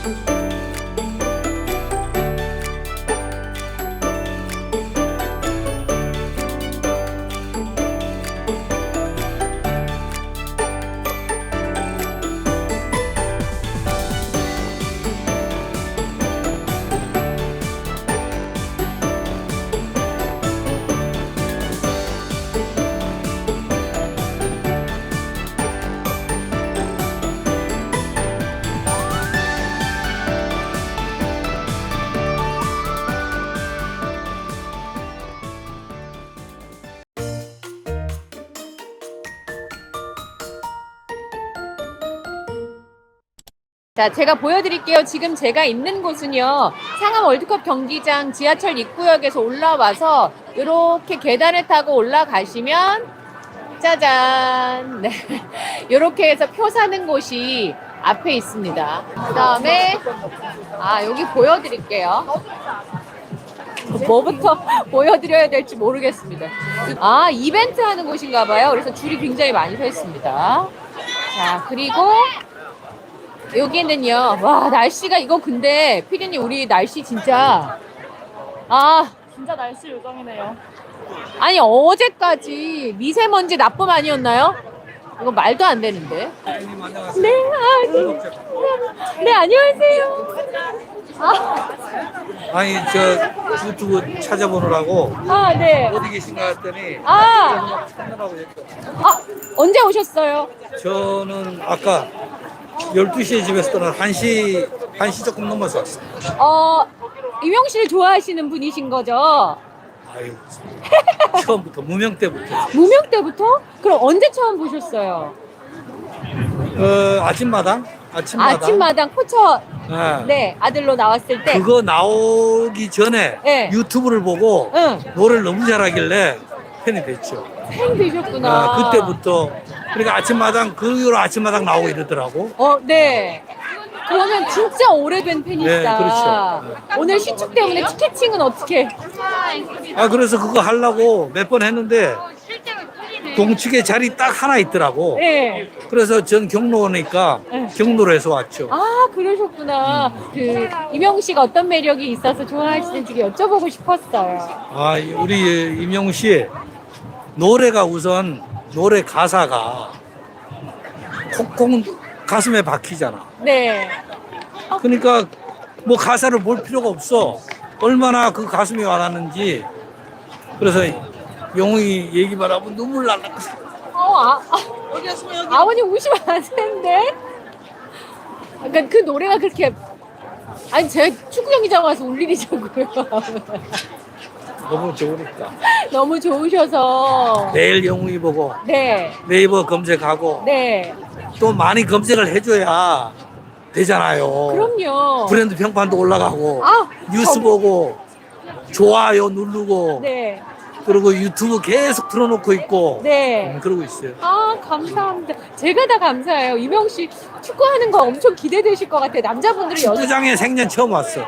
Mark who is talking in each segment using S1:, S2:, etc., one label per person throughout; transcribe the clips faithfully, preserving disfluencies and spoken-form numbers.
S1: 자, 제가 보여드릴게요. 지금 제가 있는 곳은요, 상암 월드컵 경기장 지하철 입구역에서 올라와서 이렇게 계단을 타고 올라가시면 짜잔, 네, 이렇게 해서 표 사는 곳이 앞에 있습니다. 그 다음에 아, 여기 보여드릴게요. 뭐부터 보여드려야 될지 모르겠습니다. 아, 이벤트 하는 곳인가 봐요. 그래서 줄이 굉장히 많이 서 있습니다. 자, 그리고 여기는요, 와, 날씨가 이거 근데 피디님, 우리 날씨 진짜 아
S2: 진짜 날씨 요정이네요.
S1: 아니 어제까지 미세먼지 나쁨 아니었나요? 이거 말도 안 되는데. 네, 아, 네, 안녕하세요. 아,
S3: 아니 저 유튜브 찾아보느라고
S1: 아, 네.
S3: 어디 계신가 했더니
S1: 아,
S3: 찾느라고 했죠.
S1: 아, 언제 오셨어요?
S3: 저는 아까 열두 시에 집에서 떠나 한 시, 한 시 조금 넘어서 왔어요.
S1: 어, 이명 씨를 좋아하시는 분이신 거죠?
S3: 아유, 처음부터 무명 때부터
S1: 무명 때부터? 그럼 언제 처음 보셨어요?
S3: 어, 아침마당? 아침마당?
S1: 아침마당 포처
S3: 네.
S1: 네, 아들로 나왔을 때.
S3: 그거 나오기 전에
S1: 네.
S3: 유튜브를 보고
S1: 응.
S3: 노래를 너무 잘하길래 팬이 됐죠.
S1: 팬 되셨구나.
S3: 아, 그때부터 그러니까 아침마당 그 이후로 아침마당 나오고 이러더라고.
S1: 어, 네. 그러면 진짜 오래된 팬이시다.
S3: 네, 그렇죠.
S1: 오늘 시축 때문에 티켓팅은 어떻게?
S3: 아 그래서 그거 하려고 몇 번 했는데 동측에 자리 딱 하나 있더라고.
S1: 네.
S3: 그래서 전 경로니까
S1: 네.
S3: 경로로 해서 왔죠.
S1: 아, 그러셨구나. 그 이명 씨가 어떤 매력이 있어서 좋아하시는지 여쭤보고 싶었어요.
S3: 아 우리 임영웅 씨 노래가 우선 노래 가사가 콕콕 가슴에 박히잖아.
S1: 네.
S3: 그러니까 뭐 가사를 볼 필요가 없어. 얼마나 그 가슴에 와닿는지. 그래서 영웅이 얘기만 하면 눈물 날라.
S1: 어, 아, 아, 아버님 우시면 안 되는데? 그러니까 그 노래가 그렇게 아니 제가 축구 경기장 와서 울 일이자고요.
S3: 너무 좋으니까.
S1: 너무 좋으셔서.
S3: 내일 영웅이 보고
S1: 네.
S3: 네이버 검색하고
S1: 네.
S3: 또 많이 검색을 해줘야 되잖아요.
S1: 그럼요.
S3: 브랜드 평판도 올라가고
S1: 아,
S3: 뉴스
S1: 저-
S3: 보고 좋아요 누르고
S1: 네.
S3: 그리고 유튜브 계속 틀어놓고 있고
S1: 네.
S3: 음, 그러고 있어요.
S1: 아, 감사합니다. 제가 다 감사해요. 이명 씨 축구하는 거 엄청 기대되실 것 같아요. 남자분들이 여자.
S3: 축구장에 생전 처음 왔어.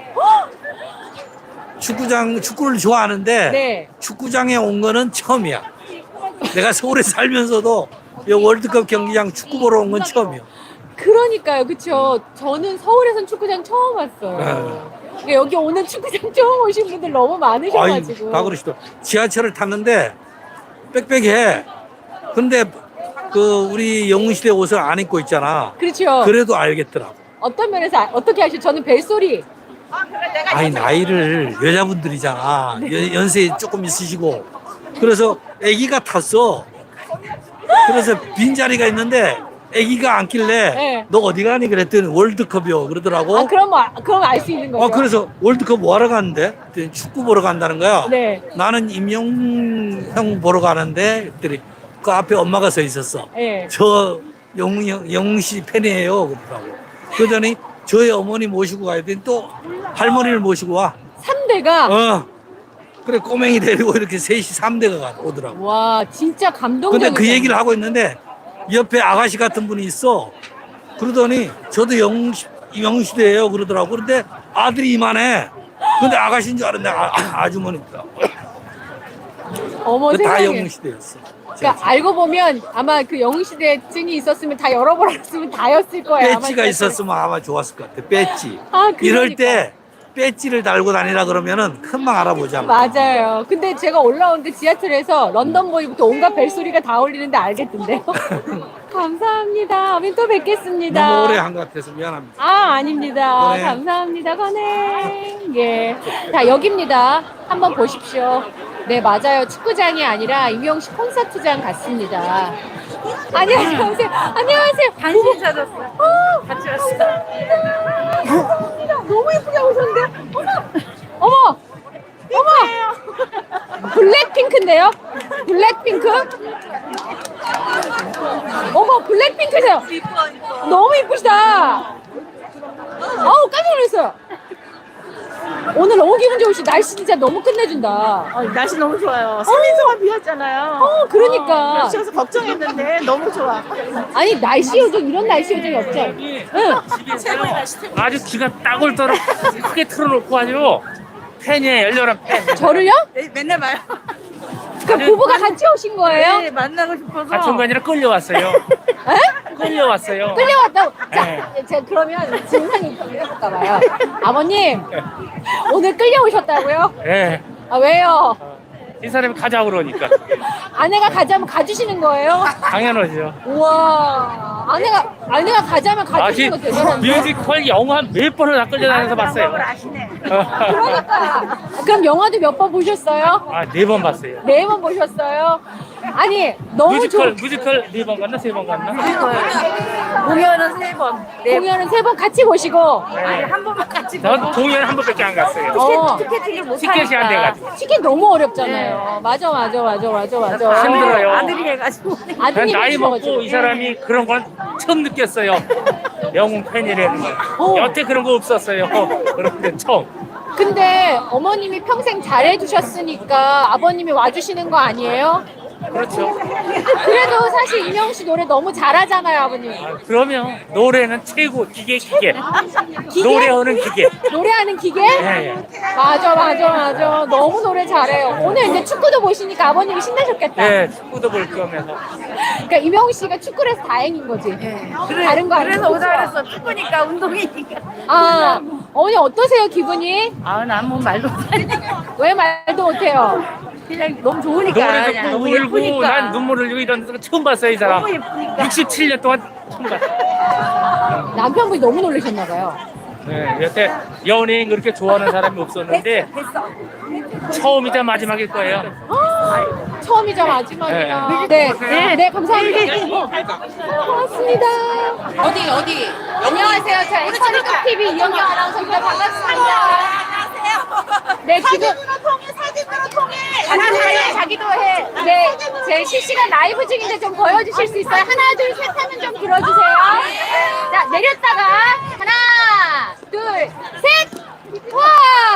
S3: 축구장 축구를 좋아하는데
S1: 네.
S3: 축구장에 온 거는 처음이야. 내가 서울에 살면서도 이 월드컵 경기장 축구 보러 온 건 처음이야.
S1: 그러니까요. 그쵸. 저는 서울에선 축구장 처음 왔어요.
S3: 네.
S1: 그러니까 여기 오는 축구장 처음 오신 분들 너무 많으셔가지고.
S3: 아이, 다 그러시더. 지하철을 탔는데 빽빽해. 근데 그 우리 영웅시대 옷을 안 입고 있잖아.
S1: 그렇죠.
S3: 그래도 알겠더라고.
S1: 어떤 면에서 아- 어떻게 하시죠? 저는 벨소리.
S3: 아니 나이를 여자분들이잖아. 연- 연세 조금 있으시고. 그래서 아기가 탔어. 그래서 빈자리가 있는데 아기가 앉길래
S1: 네.
S3: 너 어디 가니 그랬더니 월드컵이요 그러더라고.
S1: 아, 그럼 뭐, 그럼 알 수 있는 거죠.
S3: 어, 그래서 월드컵 뭐 하러 갔는데? 그랬더니 축구 보러 간다는 거야.
S1: 네.
S3: 나는 임영웅 형 보러 가는데 그랬더니 그 앞에 엄마가 서 있었어.
S1: 네.
S3: 저 영웅, 형- 영웅 씨 팬이에요 그러더라고. 그러더니 저희 어머니 모시고 가야 되니 또 할머니를 모시고 와.
S1: 삼 대가.
S3: 어. 그래 꼬맹이 데리고 이렇게 셋이 삼 대가 오더라고.
S1: 와, 진짜 감동적이다.
S3: 근데 그 얘기를 하고 있는데 옆에 아가씨 같은 분이 있어. 그러더니 저도 영웅 씨- 영웅 시대예요 그러더라고. 그런데 아들이 이만해. 근데 아가씨인 줄 알았는데 아, 아주머니더라고.
S1: 어머,
S3: 다
S1: 세상에.
S3: 영웅 시대였어.
S1: 그러니까 알고 보면 아마 그 영웅시대 증이 있었으면 다 열어버렸으면 다였을 거예요. 아마
S3: 배지가
S1: 진짜.
S3: 있었으면 아마 좋았을 것 같아. 배지.
S1: 아, 그러니까.
S3: 이럴 때 배지를 달고 다니라 그러면은 금방 알아보자.
S1: 맞아요. 근데 제가 올라오는데 지하철에서 런던 보이부터 온갖 벨소리가 다 울리는데 알겠던데요. 감사합니다. 아버님 또 뵙겠습니다.
S3: 너무 오래 한 것 같아서 미안합니다.
S1: 아, 아닙니다.
S3: 건행.
S1: 감사합니다. 건행. 예. 자, 여기입니다. 한번 보십시오. 네, 맞아요. 축구장이 아니라 임영식 콘서트장 같습니다. 안녕하세요. 안녕하세요.
S2: 간신히 찾았어요.
S1: 어,
S2: 같이 왔어요.
S1: 감사합니다. 너무 예쁘게 오셨는데. 어머! 어머! 어머! 블랙핑크인데요? 블랙핑크? 어머, 블랙핑크세요. 너무 이쁘시다. 어우, 깜짝 놀랐어요. 오늘 너무 기분 좋으시. 날씨 진짜 너무 끝내준다.
S2: 어, 날씨 너무 좋아요. 삼 일 동안 비 왔잖아요.
S1: 어, 그러니까.
S2: 어, 그래서 걱정했는데 너무 좋아.
S1: 아니, 날씨 요정, 이런 날씨 요정이 없죠? 응.
S2: 최고의 날씨.
S4: 아주 기가 딱올 떠러 크게 틀어놓고 아주 팬이에요. 열렬한 팬.
S1: 저를요?
S2: 네, 맨날 봐요.
S1: 그 부부가 같이 오신 거예요?
S2: 네, 만나고 싶어서.
S4: 같이 온 게 아니라 끌려왔어요.
S1: 에?
S4: 끌려왔어요.
S1: 끌려왔다고? 자,
S4: 네.
S1: 제가 그러면 진상 인터뷰 해볼까 봐요. 아버님, 오늘 끌려오셨다고요?
S4: 예.
S1: 아, 왜요?
S4: 이 사람이 가자 그러니까.
S1: 아내가 가자면 가주시는 거예요?
S4: 당연하죠.
S1: 우와, 아내가, 아내가 가자면
S4: 아직
S1: 가주시는 거 대단한데?
S4: 뮤지컬 영화 몇 번을 다 끌려다녀서 봤어요.
S2: 아시네.
S1: 그러니까. 그럼 영화도 몇 번 보셨어요?
S4: 아, 네 번 봤어요.
S1: 네 번 보셨어요? 아니, 너무
S4: 뮤지컬,
S1: 좋
S4: 뮤지컬 네 번 갔나? 세 번 갔나?
S2: 공연은 세 번. 네.
S1: 공연은 세 번 같이 보시고.
S2: 아니, 한 번만 같이 보고.
S4: 전 공연 한 번밖에 안 갔어요.
S1: 어,
S2: 티켓팅을 못
S4: 티켓이 안 돼가지고.
S1: 티켓 너무 어렵잖아요. 맞아, 맞아, 맞아, 맞아, 맞아.
S4: 힘들어요.
S2: 아들이 해가지고.
S4: 난
S1: 아드님이
S4: 나이 먹고
S1: 주셔가지고.
S4: 이 사람이 그런 건 처음 느꼈어요. 영웅 팬이라는 거.
S1: 어.
S4: 여태 그런 거 없었어요. 그런데 처음.
S1: 근데 어머님이 평생 잘해주셨으니까 아버님이 와주시는 거 아니에요?
S4: 그렇죠.
S1: 그래도 사실 이명 씨 노래 너무 잘하잖아요, 아버님.
S4: 아, 그러면 노래는 최고 기계 기계.
S1: 기계?
S4: 노래하는 기계.
S1: 노래하는 기계?
S4: 예, 예.
S1: 맞아, 맞아, 맞아. 너무 노래 잘해요. 오늘 이제 축구도 보시니까 아버님이 신나셨겠다.
S4: 예, 축구도 볼 거면서.
S1: 그러니까 이명 씨가 축구를 해서 다행인 거지. 다른 거
S2: 그래서
S1: 아니고.
S2: 오자 그랬어. 축구니까 운동이니까.
S1: 아, 어머니 어떠세요, 기분이?
S2: 아, 난 뭐 말도 못하니.
S1: 왜 말도 못해요?
S2: 그냥 너무 좋으니까.
S4: 노래
S2: 그냥
S4: 듣고
S2: 너무
S4: 울고
S2: 예쁘니까.
S4: 난 눈물 흘리고 이런 거 처음 봤어요, 이 사람.
S2: 너무 예쁘니까.
S4: 육십칠 년 동안 처음 봤어요.
S1: 남편분이 너무 놀라셨나 봐요.
S4: 네, 여태 연예인 그렇게 좋아하는 사람이 없었는데 처음이자 마지막일 거예요.
S1: 아, 처음이자 마지막이야. 네, 네, 네, 감사합니다. 어, 고맙습니다. 어디, 어디? 안녕하세요. 저 앵커니까 티비 이영경 아나운서입니다. 반갑습니다. 네, 지금
S2: 통해, 사진으로 통해.
S1: 자기도 해, 자기도 해. 네, 제 실시간 라이브 중인데 좀 보여주실 수 있어요? 하나, 둘, 셋 하면 좀 들어주세요. 자, 내렸다가 하나, 둘, 셋. 와,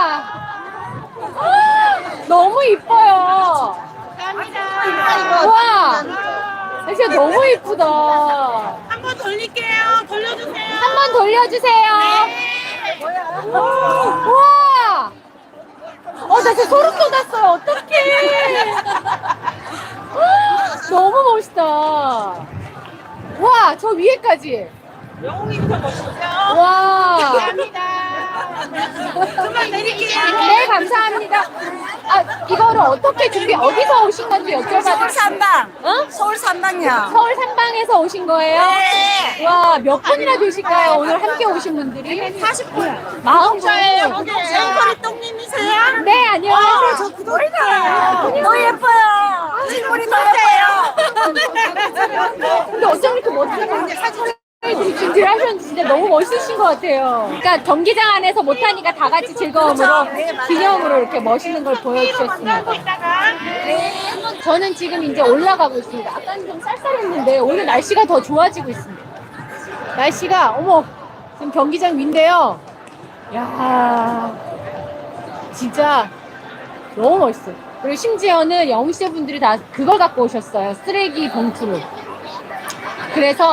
S1: 너무 이뻐요. 감사합니다. 와, 진짜 너무 이쁘다.
S2: 한 번 돌릴게요. 돌려주세요.
S1: 한 번 돌려주세요. 와! 어, 나 진짜 소름 돋았어요. 어떡해. 너무 멋있다. 와, 저 위에까지.
S2: 영웅이부터 멋있죠?
S1: 와.
S2: 감사합니다. 그만 내릴게요.
S1: 네, 감사합니다. 아, 이거를 어떻게 준비, 어디서 오신 건지 여쭤봐도.
S2: 서울 삼방.
S1: 어?
S2: 서울 삼방이요.
S1: 서울 삼방에서 오신 거예요?
S2: 네.
S1: 와, 몇 분이나 되실까요? 오늘 함께 오신 분들이?
S2: 사십 분.
S1: 마흔 분.
S2: 앵커리 똥님이세요?
S1: 네, 안녕하세요.
S2: 저 구독자예요. 너무 예뻐요. 질문이 더 예뻐요.
S1: 근데 어쩜 이렇게 멋지게 사진을 준비를 하셨는지 진짜 너무 멋있으신 것 같아요. 그러니까 경기장 안에서 못하니까 다 같이 즐거움으로 기념으로 이렇게 멋있는 걸 보여주셨습니다. 저는 지금 이제 올라가고 있습니다. 아까는 좀 쌀쌀했는데 오늘 날씨가 더 좋아지고 있습니다. 날씨가 어머 지금 경기장 위인데요. 야 진짜 너무 멋있어요. 그리고 심지어는 영웅시대 분들이 다 그걸 갖고 오셨어요. 쓰레기 봉투를. 그래서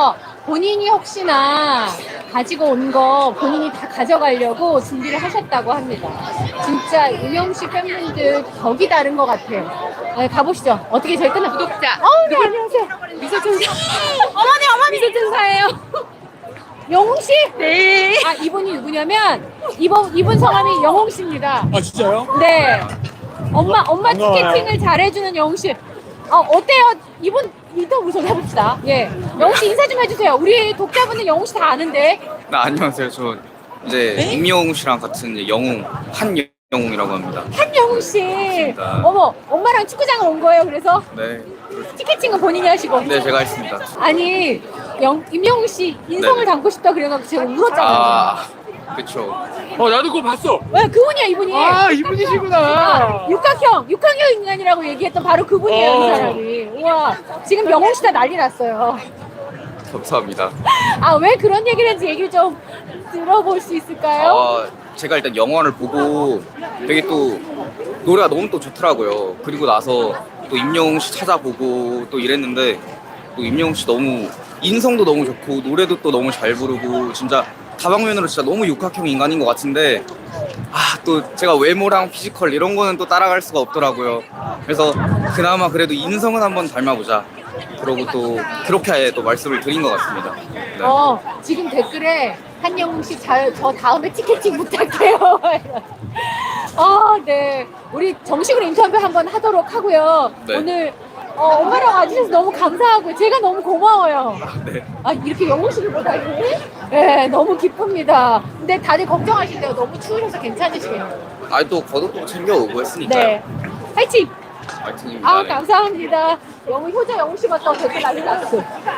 S1: 본인이 혹시나 가지고 온 거 본인이 다 가져가려고 준비를 하셨다고 합니다. 진짜 임영웅 씨 팬분들 격이 다른 것 같아요. 네, 가보시죠. 어떻게 저희 끝나 구독자. 어, 네, 안녕하세요. 미소천사. 어머니, 어머니. 미소천사예요. 영웅 씨? 네. 아, 이분이 누구냐면 이분 이분 성함이 영웅 씨입니다.
S5: 아 진짜요?
S1: 네. 엄마 엄마
S5: 반가워요.
S1: 티켓팅을 잘해주는 영웅 씨. 어 어때요? 이분 인터뷰 좀 해봅시다. 예. 영웅 씨 인사 좀 해주세요. 우리 독자분들 영웅 씨 다 아는데.
S6: 네, 안녕하세요. 저 이제 임영웅 씨랑 같은 이제 영웅 한영웅이라고 합니다.
S1: 한영웅 씨.
S6: 반갑습니다.
S1: 어머, 엄마랑 축구장을 온 거예요. 그래서
S6: 네,
S1: 티켓팅은 본인이 하시고.
S6: 네 제가 했습니다.
S1: 아니 영 임영웅 씨 인성을
S6: 네.
S1: 담고 싶다 그래가지고 제가 울었잖아요.
S6: 아, 그렇죠.
S5: 어 나도 그거 봤어.
S1: 왜 그분이야 이분이.
S5: 아 이분이시구나.
S1: 아, 육각형, 육각형 인간이라고 얘기했던 바로 그분이에요,
S5: 어.
S1: 이 사람이. 우와, 지금 영웅 씨 다 난리 났어요.
S6: 감사합니다.
S1: 아, 왜 그런 얘기를 했는지 얘기를 좀 들어볼 수 있을까요?
S6: 아, 제가 일단 영화를 보고 되게 또 노래가 너무 또 좋더라고요. 그리고 나서 또 임영웅 씨 찾아보고 또 이랬는데 또 임영웅 씨 너무 인성도 너무 좋고 노래도 또 너무 잘 부르고 진짜 다방면으로 진짜 너무 육각형 인간인 것 같은데 아, 또 제가 외모랑 피지컬 이런 거는 또 따라갈 수가 없더라고요. 그래서 그나마 그래도 인성은 한번 닮아보자. 그러고 또 그렇게 또 말씀을 드린 것 같습니다. 네.
S1: 어, 지금 댓글에 한영웅 씨, 자, 저 다음에 티켓팅 부탁해요. 아, 네. 우리 정식으로 인터뷰 한번 하도록 하고요.
S6: 네.
S1: 오늘 어, 엄마랑 와주셔서 너무 감사하고 제가 너무 고마워요.
S6: 네.
S1: 아, 이렇게 영웅 씨를 보다니? 네, 너무 기쁩니다. 근데 다들 걱정하신대요. 너무 추우셔서 괜찮으시겠네요.
S6: 아, 또 겉옷도 챙겨오고 했으니까요.
S1: 네. 화이팅!
S6: 화이팅입니다.
S1: 아,
S6: 네.
S1: 감사합니다. 영웅 효자 영웅 씨 같다고 댓글 난리 났어.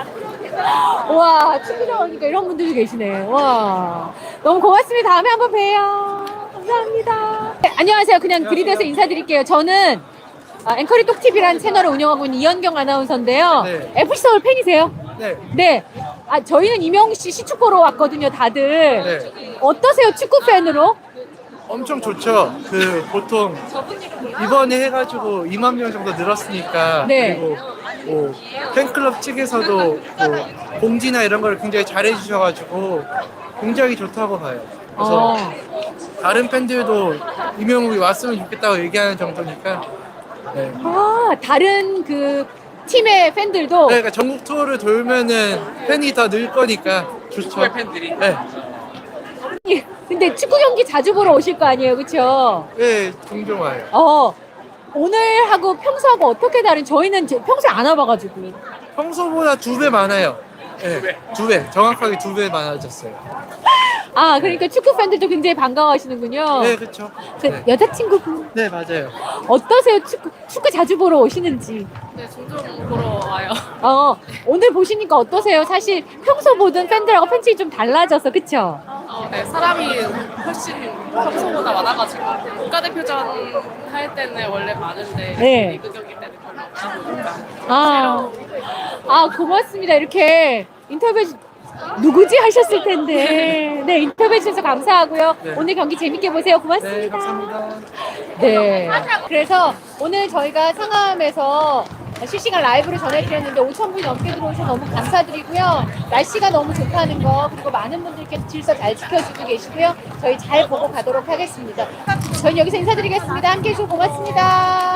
S1: 와, 친구들 오니까 이런 분들이 계시네. 와, 너무 고맙습니다. 다음에 한번 봬요. 감사합니다. 네, 안녕하세요. 그냥 들이대서 인사드릴게요. 저는 아, 앵커리 똑티비라는 채널을 운영하고 있는 이현경 아나운서인데요.
S5: 네.
S1: 에프씨 서울 팬이세요?
S5: 네.
S1: 네. 아, 저희는 임영웅 씨 시축 보러 왔거든요, 다들.
S5: 네.
S1: 어떠세요, 축구 팬으로?
S5: 엄청 좋죠. 그 보통 이번에 해가지고 이만 명 정도 늘었으니까
S1: 네.
S5: 그리고 뭐 팬클럽 측에서도 뭐 공지나 이런 걸 굉장히 잘해주셔가지고 굉장히 좋다고 봐요. 그래서
S1: 어.
S5: 다른 팬들도 임영웅이 왔으면 좋겠다고 얘기하는 정도니까. 네.
S1: 아, 다른 그 팀의 팬들도
S5: 네, 그러니까 전국 투어를 돌면은 팬이 더 늘 거니까 좋죠. 팬들이. 네.
S1: 근데 축구 경기 자주 보러 오실 거 아니에요, 그렇죠?
S5: 네, 종종 와요.
S1: 어, 오늘하고 평소하고 어떻게 다른? 저희는 제- 평소에 안 와봐가지고.
S5: 평소보다 두 배 많아요. 네, 두 배. 정확하게 두 배 많아졌어요.
S1: 아, 그러니까 축구 팬들도 굉장히 반가워하시는군요.
S5: 네, 그렇죠.
S1: 그
S5: 네.
S1: 여자친구분
S5: 네, 맞아요.
S1: 어떠세요? 축구 축구 자주 보러 오시는지.
S7: 네, 종종 보러 와요.
S1: 어, 오늘 보시니까 어떠세요? 사실 평소 보던 팬들하고 팬층이 좀 달라져서, 그쵸?
S7: 어, 네, 사람이 훨씬 평소보다 많아가지고 국가대표전 할 때는 원래 많은데
S1: 네.
S7: 리그 경기 때는 별로 없다 보니까
S1: 아, 아 고맙습니다. 이렇게 인터뷰 주- 누구지 하셨을 텐데. 네, 인터뷰해 주셔서 감사하고요.
S5: 네.
S1: 오늘 경기 재밌게 보세요. 고맙습니다.
S5: 네, 감사합니다.
S1: 네. 그래서 오늘 저희가 상암에서 실시간 라이브로 전해드렸는데 오천 분이 넘게 들어오셔서 너무 감사드리고요. 날씨가 너무 좋다는 거, 그리고 많은 분들께서 질서 잘 지켜주고 계시고요. 저희 잘 보고 가도록 하겠습니다. 저희 여기서 인사드리겠습니다. 함께 해주셔서 고맙습니다.